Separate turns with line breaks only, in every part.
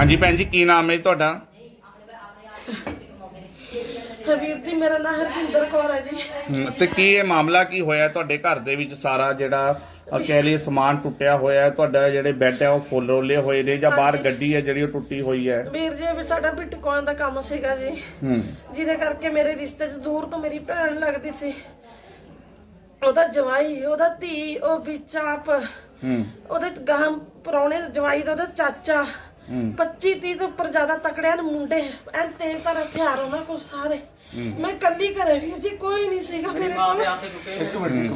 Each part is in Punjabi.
हाँ जी भैन जी की नाम है तुहाडा?
ਵੀਰ ਜੀ ਮੇਰਾ ਨਾਮ ਹਰਵਿੰਦਰ ਕੌਰ ਹੈ ਜੀ।
ਤੇ ਕੀ ਇਹ ਮਾਮਲਾ ਕੀ ਹੋਇਆ ਤੁਹਾਡੇ ਘਰ ਦੇ ਵਿੱਚ? ਸਾਰਾ ਜਿਹੜਾ ਕਹਿ ਲਈ ਸਮਾਨ ਟੁੱਟਿਆ ਹੋਇਆ, ਤੁਹਾਡਾ ਜਿਹੜੇ ਬੈੱਡ ਹੈ ਉਹ ਫੁੱਲ ਰੋਲੇ ਹੋਏ ਨੇ ਜਾਂ ਬਾਹਰ ਗੱਡੀ ਹੈ ਜਿਹੜੀ ਉਹ ਟੁੱਟੀ ਹੋਈ ਹੈ?
ਵੀਰ ਜੀ ਵੀ ਸਾਡਾ ਬਿਟਕੋਇਨ ਦਾ ਕੰਮ ਸੀਗਾ ਜੀ, ਜਿਹਦੇ ਕਰਕੇ ਮੇਰੇ ਰਿਸ਼ਤੇ 'ਚ ਦੂਰ ਤੋਂ ਮੇਰੀ ਭੈਣ ਲੱਗਦੀ ਸੀ, ਉਹਦਾ ਜਵਾਈ, ਉਹਦਾ ਧੀ, ਉਹ ਵਿੱਚ ਆਪ ਉਹਦੇ ਗਾਂ ਪਰੌਣੇ ਜਵਾਈ ਦਾ ਉਹਦਾ ਚਾਚਾ, 25-30 ਤੋਂ ਉੱਪਰ ਜ਼ਿਆਦਾ ਤਕੜਿਆਂ ਮੁੰਡੇ, ਐਨ ਤੇਜ਼ਧਾਰ ਹਥਿਆਰ ਉਹਨਾਂ ਕੋਲ ਸਾਰੇ। ਮੈਂ ਕੱਲੀ ਘਰੇ ਵੀਰ ਜੀ, ਕੋਈ ਨਹੀਂ ਸੀਗਾ ਮੇਰੇ ਕੋਲ।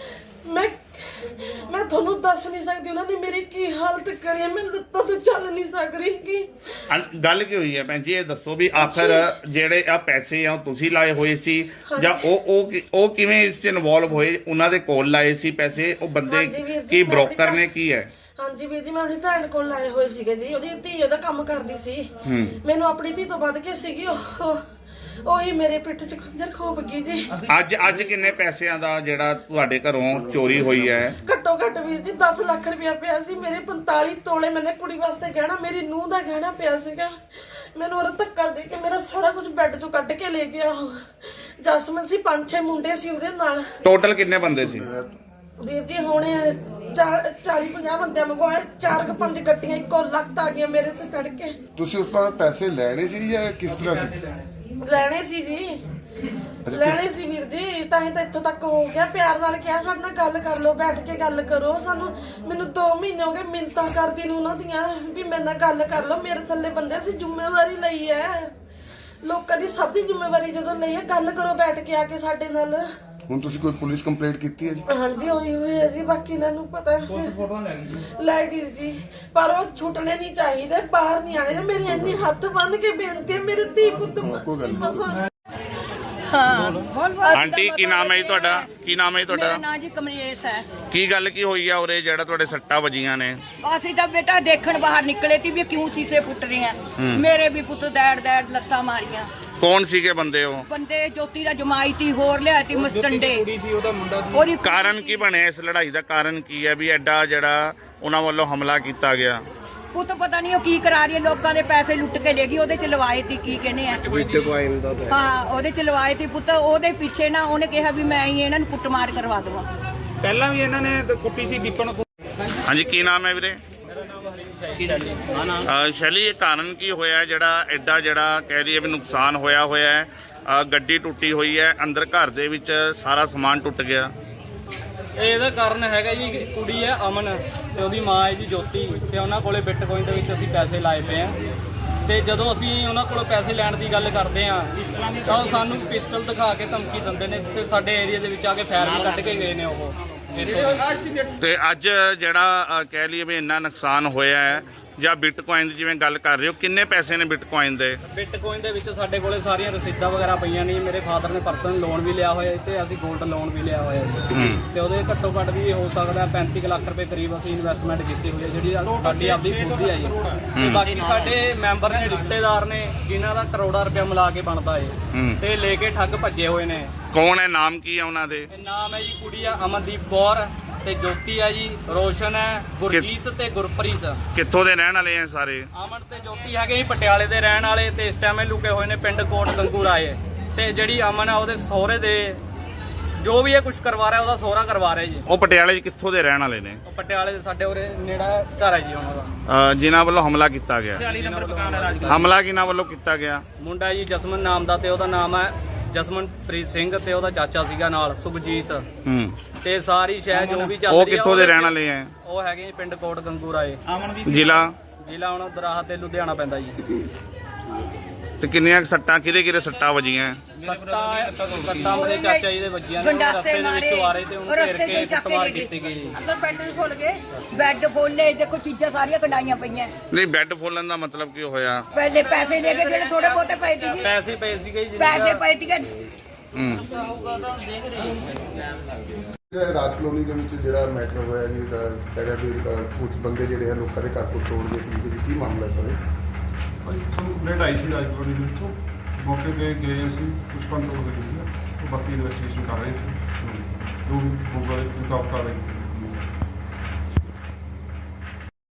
ਮੈਂ ਤੁਹਾਨੂੰ ਦੱਸ ਨਹੀਂ ਸਕਦੀ ਉਹਨਾਂ ਨੇ ਮੇਰੀ ਕੀ ਹਾਲਤ ਕਰੀ ਹੈ। ਮੈਂ ਲੱਤਾਂ ਤੋਂ ਚੱਲ ਨਹੀਂ ਸਕ ਰਹੀ। ਕੀ
ਗੱਲ ਕੀ ਹੋਈ ਹੈ ਭੈਣ ਜੀ, ਇਹ ਦੱਸੋ ਵੀ ਆਖਰ ਜਿਹੜੇ ਆ ਪੈਸੇ ਆ ਤੁਸੀਂ ਲਾਏ ਹੋਏ ਸੀ ਜਾਂ ਉਹ ਕਿਵੇਂ ਇਸ 'ਚ ਇਨਵੋਲਵ ਹੋਏ? ਉਹਨਾਂ ਦੇ ਕੋਲ ਲਾਏ ਸੀ ਪੈਸੇ ਉਹ ਬੰਦੇ ਕੀ ਬ੍ਰੋਕਰ ਨੇ ਕੀ ਹੈ?
ਹਾਂਜੀ ਵੀਰ ਜੀ, ਮੈਂ ਆਪਣੀ ਭੈਣ ਕੋਲ ਲਾਏ ਹੋਏ ਸੀਗੇ ਜੀ। ਉਹਦੀ ਧੀ ਉਹਦਾ ਕੰਮ ਕਰਦੀ ਸੀ, ਮੈਨੂੰ ਆਪਣੀ ਧੀ ਤੋਂ ਵੱਧ ਕੇ ਸੀਗੀ ਉਹੀ ਮੇਰੇ ਪਿੱਠ 'ਚ ਖੰਜਰ ਖੋਪ ਗਈ ਜੀ।
ਅੱਜ ਕਿੰਨੇ ਪੈਸਿਆਂ ਦਾ ਜਿਹੜਾ ਤੁਹਾਡੇ ਘਰੋਂ ਚੋਰੀ ਹੋਈ ਹੈ?
ਘੱਟੋ ਘੱਟ ਵੀਰ ਜੀ 10 ਲੱਖ ਰੁਪਇਆ ਪਿਆ ਸੀ। ਮੇਰੇ 45 ਤੋਲੇ ਮੈਨੇ ਕੁੜੀ ਵਾਸਤੇ ਗਹਿਣਾ, ਮੇਰੀ ਨੂੰਹ ਦਾ ਗਹਿਣਾ ਪਿਆ ਸੀਗਾ। ਮੈਨੂੰ ਉਹ ਧੱਕਾ ਦੇ ਕੇ ਮੇਰਾ ਸਾਰਾ ਕੁਝ ਬੈੱਡ 'ਚੋਂ ਕੱਢ ਕੇ ਲੈ ਗਿਆ। ਜਸਮਨ ਸੀ, 5-6 ਮੁੰਡੇ ਸੀ ਉਹਦੇ ਨਾਲ।
ਟੋਟਲ ਕਿੰਨੇ ਬੰਦੇ ਸੀ
ਵੀਰ ਜੀ? ਹੁਣ 40-50 ਬੰਦੇ ਮੰਗਵਾਏ, 4-5 ਗੱਡੀਆਂ ਇੱਕੋ ਲੱਖ ਆ ਗਈਆਂ ਮੇਰੇ ਤੇ ਚੜ ਕੇ।
ਤੁਸੀਂ ਉਸ ਤੋਂ ਪੈਸੇ ਲੈਣੇ ਸੀ ਜਾਂ ਕਿਸ ਤਰ੍ਹਾਂ ਸੀ?
ਲੈਣੇ ਸੀ ਜੀ, ਲੈਣੇ ਸੀ ਵੀਰ ਜੀ, ਤਾਂ ਹੀ ਤਾਂ ਇੱਥੋਂ ਤੱਕ ਹੋ ਗਿਆ। ਪਿਆਰ ਨਾਲ ਕਿਹਾ ਸਾਡੇ ਨਾਲ ਗੱਲ ਕਰ ਲਓ, ਬੈਠ ਕੇ ਗੱਲ ਕਰੋ। ਮੈਨੂੰ 2 ਮਹੀਨੇ ਹੋ ਗਏ ਮਿੰਨਤਾਂ ਕਰਦੀ ਨੂੰ ਉਹਨਾਂ ਦੀਆਂ ਵੀ ਮੇਰੇ ਨਾਲ ਗੱਲ ਕਰ ਲਓ। ਮੇਰੇ ਥੱਲੇ ਬੰਦੇ ਸੀ, ਜ਼ਿੰਮੇਵਾਰੀ ਲਈ ਹੈ ਲੋਕਾਂ ਦੀ, ਸਭ ਦੀ ਜ਼ਿੰਮੇਵਾਰੀ ਜਦੋਂ ਲਈ ਹੈ, ਗੱਲ ਕਰੋ ਬੈਠ ਕੇ ਆ ਕੇ ਸਾਡੇ ਨਾਲ।
ਹੁਣ ਤੁਸੀਂ ਕੋਈ ਪੁਲਿਸ ਕੰਪਲੇਂਟ ਕੀਤੀ ਹੈ ਜੀ?
ਹਾਂਜੀ ਹੋਈ ਹੋਈ ਹੈ ਜੀ, ਬਾਕੀ ਇਹਨਾਂ ਨੂੰ ਪਤਾ ਲੈ ਗਈ ਜੀ। ਪਰ ਉਹ ਛੁੱਟਣੇ ਨਹੀਂ ਚਾਹੀਦੇ, ਬਾਹਰ ਨਹੀਂ ਆਣੇ। ਮੇਰੀ ਇੰਨੀ ਹੱਥ ਬੰਨ ਕੇ ਬੇਨਤੀ ਹੈ, ਮੇਰੇ ਧੀ ਪੁੱਤ
ਆਂਟੀ ਕੀ ਨਾਮ ਹੈ ਜੀ ਤੁਹਾਡਾ? ਕੀ ਨਾਮ ਹੈ ਤੁਹਾਡਾ?
ਮੇਰਾ ਨਾਮ ਜੀ ਕਮਲੇਸ਼ ਹੈ।
ਕੀ ਗੱਲ ਕੀ ਹੋਈ ਆ ਉਰੇ ਜਿਹੜਾ ਤੁਹਾਡੇ ਸੱਟਾਂ ਵੱਜੀਆਂ ਨੇ?
ਅਸੀਂ ਤਾਂ ਬੇਟਾ ਦੇਖਣ ਬਾਹਰ ਨਿਕਲੇ ਸੀ ਵੀ ਕਿਉਂ ਸ਼ੀਸ਼ੇ ਫੁੱਟ ਰਹੇ ਆ। ਮੇਰੇ ਵੀ ਪੁੱਤ ਦੈੜ ਲੱਤਾਂ ਮਾਰੀਆਂ।
ਕੌਣ ਸੀਗੇ ਬੰਦੇ? ਉਹ
ਬੰਦੇ ਜੋਤੀ ਦਾ ਜਮਾਈ ਤੀ, ਹੋਰ ਲਿਆ ਤੀ ਮਸਟੰਡੇ। ਉਹਦੀ
ਕਾਰਨ ਕੀ ਬਣਿਆ ਇਸ ਲੜਾਈ ਦਾ? ਕਾਰਨ ਕੀ ਹੈ ਵੀ ਐਡਾ ਜਿਹੜਾ ਉਹਨਾਂ ਵੱਲੋਂ ਹਮਲਾ ਕੀਤਾ ਗਿਆ?
ਪੁੱਤ ਪਤਾ ਨਹੀਂ ਉਹ ਕੀ ਕਰਾ ਰਹੀ ਹੈ, ਲੋਕਾਂ ਦੇ ਪੈਸੇ ਲੁੱਟ ਕੇ ਲੈ ਗਈ। ਉਹਦੇ ਚ ਲਵਾਏ ਤੀ, ਕੀ ਕਹਿੰਦੇ ਆ, ਹਾਂ ਉਹਦੇ ਚ ਲਵਾਏ ਤੀ ਪੁੱਤ। ਉਹਦੇ ਪਿੱਛੇ ਨਾ ਉਹਨੇ ਕਿਹਾ ਵੀ ਮੈਂ ਹੀ ਇਹਨਾਂ ਨੂੰ ਕੁੱਟਮਾਰ ਕਰਵਾ ਦਵਾਂ।
ਪਹਿਲਾਂ ਵੀ ਇਹਨਾਂ ਨੇ ਕੁੱਟੀ ਸੀ ਦੀਪਨ।
ਹਾਂਜੀ ਕੀ ਨਾਮ ਹੈ ਵੀਰੇ? ਸ਼ੈਲੀ, ਇਹ ਕਾਰਨ ਕੀ ਹੋਇਆ ਜਿਹੜਾ ਐਡਾ ਜਿਹੜਾ ਕਹਿ ਰਹੀ ਹੈ ਵੀ ਨੁਕਸਾਨ ਹੋਇਆ ਹੈ? ਗੱਡੀ ਟੁੱਟੀ ਹੋਈ ਹੈ, ਅੰਦਰ ਘਰ ਦੇ ਵਿੱਚ ਸਾਰਾ ਸਮਾਨ ਟੁੱਟ ਗਿਆ।
ਇਹਦਾ ਕਾਰਨ ਹੈਗਾ ਜੀ, ਕੁੜੀ ਹੈ ਅਮਨ ਤੇ ਉਹਦੀ ਮਾਂ ਹੈ ਜੀ ਜੋਤੀ, ਤੇ ਉਹਨਾਂ ਕੋਲੇ ਬਿਟਕੋਇਨ ਦੇ ਵਿੱਚ ਅਸੀਂ ਪੈਸੇ ਲਾਏ ਪਏ ਆ। ਤੇ ਜਦੋਂ ਅਸੀਂ ਉਹਨਾਂ ਕੋਲੋਂ ਪੈਸੇ ਲੈਣ ਦੀ ਗੱਲ ਕਰਦੇ ਆ ਤਾਂ ਉਹ ਸਾਨੂੰ ਪਿਸਟਲ ਦਿਖਾ ਕੇ ਧਮਕੀ ਦਿੰਦੇ ਨੇ ਤੇ ਸਾਡੇ ਏਰੀਆ ਦੇ ਵਿੱਚ ਆ ਕੇ ਫਾਇਰ ਵੀ ਕੱਢ ਕੇ ਗਏ ਨੇ ਉਹ।
ਤੇ ਅੱਜ ਜਿਹੜਾ ਕਹਿ ਲਈਏ ਵੀ ਇੰਨਾ ਨੁਕਸਾਨ ਹੋਇਆ ਹੈ ਜਾਂ ਬਿਟਕੋਇਨ ਦੀ ਜਿਵੇਂ ਗੱਲ ਕਰ ਰਹੇ ਹੋ, ਕਿੰਨੇ ਪੈਸੇ ਨੇ ਬਿਟਕੋਇਨ ਦੇ?
ਬਿਟਕੋਇਨ ਦੇ ਵਿੱਚ ਸਾਡੇ ਕੋਲੇ ਸਾਰੀਆਂ ਰਸੀਦਾਂ ਵਗੈਰਾ ਪਈਆਂ ਨੇ। ਮੇਰੇ ਫਾਦਰ ਨੇ ਪਰਸਨਲ ਲੋਨ ਵੀ ਲਿਆ ਹੋਇਆ ਤੇ ਅਸੀਂ 골ਡ ਲੋਨ ਵੀ ਲਿਆ ਹੋਇਆ ਤੇ ਉਹਦੇ ਘੱਟੋ ਘੱਟ ਵੀ ਹੋ ਸਕਦਾ 35 ਲੱਖ ਰੁਪਏ ਕਰੀਬ ਅਸੀਂ ਇਨਵੈਸਟਮੈਂਟ ਕੀਤੀ ਹੋਈ ਹੈ, ਜਿਹੜੀ ਸਾਡੀ ਆਪਦੀ ਖੁਦ ਦੀ ਹੈ ਜੀ। ਤੇ ਬਾਕੀ ਸਾਡੇ ਮੈਂਬਰ ਨੇ, ਰਿਸ਼ਤੇਦਾਰ ਨੇ, ਜਿਨ੍ਹਾਂ ਦਾ ਕਰੋੜਾਂ ਰੁਪਇਆ ਮਿਲਾ ਕੇ ਬਣਦਾ ਹੈ ਤੇ ਲੈ ਕੇ ਠੱਗ ਭੱਜੇ ਹੋਏ ਨੇ।
ਕੌਣ ਹੈ? ਨਾਮ ਕੀ ਹੈ ਉਹਨਾਂ ਦੇ?
ਨਾਮ ਹੈ ਜੀ, ਕੁੜੀ ਆ ਅਮਨਦੀਪ ਕੌਰ ਤੇ ਜੋਤੀ ਹੈ ਜੀ, ਰੋਸ਼ਨ ਹੈ, ਗੁਰਜੀਤ ਤੇ ਗੁਰਪ੍ਰੀਤ।
ਕਿੱਥੋਂ ਦੇ ਰਹਿਣ ਵਾਲੇ ਆ ਸਾਰੇ?
ਅਮਨ ਤੇ ਜੋਤੀ ਹੈਗੇ ਜੀ ਪਟਿਆਲੇ ਦੇ ਰਹਿਣ ਵਾਲੇ ਤੇ ਇਸ ਟਾਈਮ ਇਹ ਲੁਕੇ ਹੋਏ ਨੇ ਪਿੰਡ ਕੋਟ ਗੰਗੂ ਰਾਏ। ਤੇ ਜਿਹੜੀ ਅਮਨ ਆ ਉਹਦੇ ਸਹੁਰੇ ਦੇ ਜੋ ਵੀ ਇਹ ਕੁਝ ਕਰਵਾ ਰਿਹਾ ਉਹਦਾ ਸਹੁਰਾ ਕਰਵਾ ਰਿਹਾ ਜੀ।
ਉਹ ਪਟਿਆਲੇ 'ਚ ਕਿੱਥੋਂ ਦੇ ਰਹਿਣ ਵਾਲੇ ਨੇ?
ਉਹ ਪਟਿਆਲੇ ਦੇ ਸਾਡੇ ਉਰੇ ਨੇੜਾ ਘਰ ਹੈ ਜੀ ਉਹਨਾਂ ਦਾ।
ਜਿਨ੍ਹਾਂ ਵੱਲੋਂ ਹਮਲਾ ਕੀਤਾ ਗਿਆ?
46 ਨੰਬਰ ਮਕਾਨ ਹੈ ਰਾਜਗੜ੍ਹ।
ਹਮਲਾ ਕਿਹਨਾਂ ਵੱਲੋਂ ਕੀਤਾ ਗਿਆ?
ਮੁੰਡਾ ਜੀ ਜਸਮਨ ਨਾਮ ਦਾ ਤੇ ਉਹਦਾ ਨਾਮ ਹੈ ਜਸਮਨਪ੍ਰੀਤ ਸਿੰਘ ਤੇ ਉਹਦਾ ਚਾਚਾ ਸੀਗਾ ਨਾਲ ਸੁਖਜੀਤ। ਤੇ ਸਾਰੀ ਸ਼ਹਿਰ ਜੋ ਵੀ ਚੱਲ ਰਹੀ ਆ।
ਉਹ ਕਿੱਥੋਂ ਦੇ ਰਹਿਣ ਵਾਲੇ ਆ?
ਉਹ ਹੈਗੇ ਪਿੰਡ ਕੋਟ ਗੰਗੂ ਰਾਏ। ਜ਼ਿਲ੍ਹਾ ਹੁਣ ਦਰਾਹਾ ਤੇ ਲੁਧਿਆਣਾ ਪੈਂਦਾ ਜੀ।
ਤੇ ਕਿੰਨੀਆਂ ਸੱਟਾਂ ਕਿਹਦੇ ਸੱਟਾਂ ਵੱਜੀਆਂ?
ਸੱਟਾਂ ਮੇਰੇ ਚਾਚਾ ਜੀ ਦੇ ਵੱਜੀਆਂ ਨੇ। ਰਸਤੇ ਦੇ ਵਿੱਚੋਂ ਆ ਰਹੇ ਤੇ ਉਹਨੂੰ ਘੇਰ ਕੇ ਕੁੱਟਮਾਰ ਕੀਤੀ ਗਈ।
ਬੈੱਡ ਖੋਲ ਗਏ, ਬੈੱਡ ਖੋਲੇ, ਦੇਖੋ ਚੀਜ਼ਾਂ ਸਾਰੀਆਂ ਕਢਾਈਆਂ ਪਈਆਂ।
ਨਹੀਂ, ਬੈੱਡ ਫੋਲਣ ਦਾ ਮਤਲਬ ਕੀ ਹੋਇਆ?
ਪਹਿਲੇ ਪੈਸੇ ਲੈ ਕੇ ਜਿਹੜੇ ਥੋੜੇ ਬਹੁਤੇ ਪਏ ਸੀ,
ਪੈਸੇ ਪਏ ਸੀਗੇ ਜੀ,
ਪੈਸੇ ਪਏ ਸੀਗੇ।
ਰਾਜ ਕਲੋਨੀ ਦੇ ਵਿੱਚ ਜਿਹੜਾ ਮੈਟਰ ਹੋਇਆ ਜੀ, ਕਹਿੰਦਾ ਵੀ ਕੁਝ ਬੰਦੇ ਜਿਹੜੇ ਆ ਲੋਕਾਂ ਦੇ ਘਰ ਕੋਲ ਤੋੜ ਗਏ ਸੀ, ਕੀ ਮਾਮਲਾ ਸਰ?
ਭਾਈ ਸਾਨੂੰ ਕੰਪਲੇਂਟ ਆਈ ਸੀ ਰਾਜਪੁਰ ਦੇ ਵਿੱਚੋਂ, ਮੌਕੇ 'ਤੇ ਗਏ ਅਸੀਂ, ਕੁਝ ਕੰਟਰੋਲ ਕਰੀ ਸੀ, ਬਾਕੀ ਇਨਵੈਸਟੀਗੇਸ਼ਨ ਕਰ ਰਹੇ ਸੀ, ਜੋ ਹੋਊਗਾ ਉਹ ਕਰ ਰਹੇ।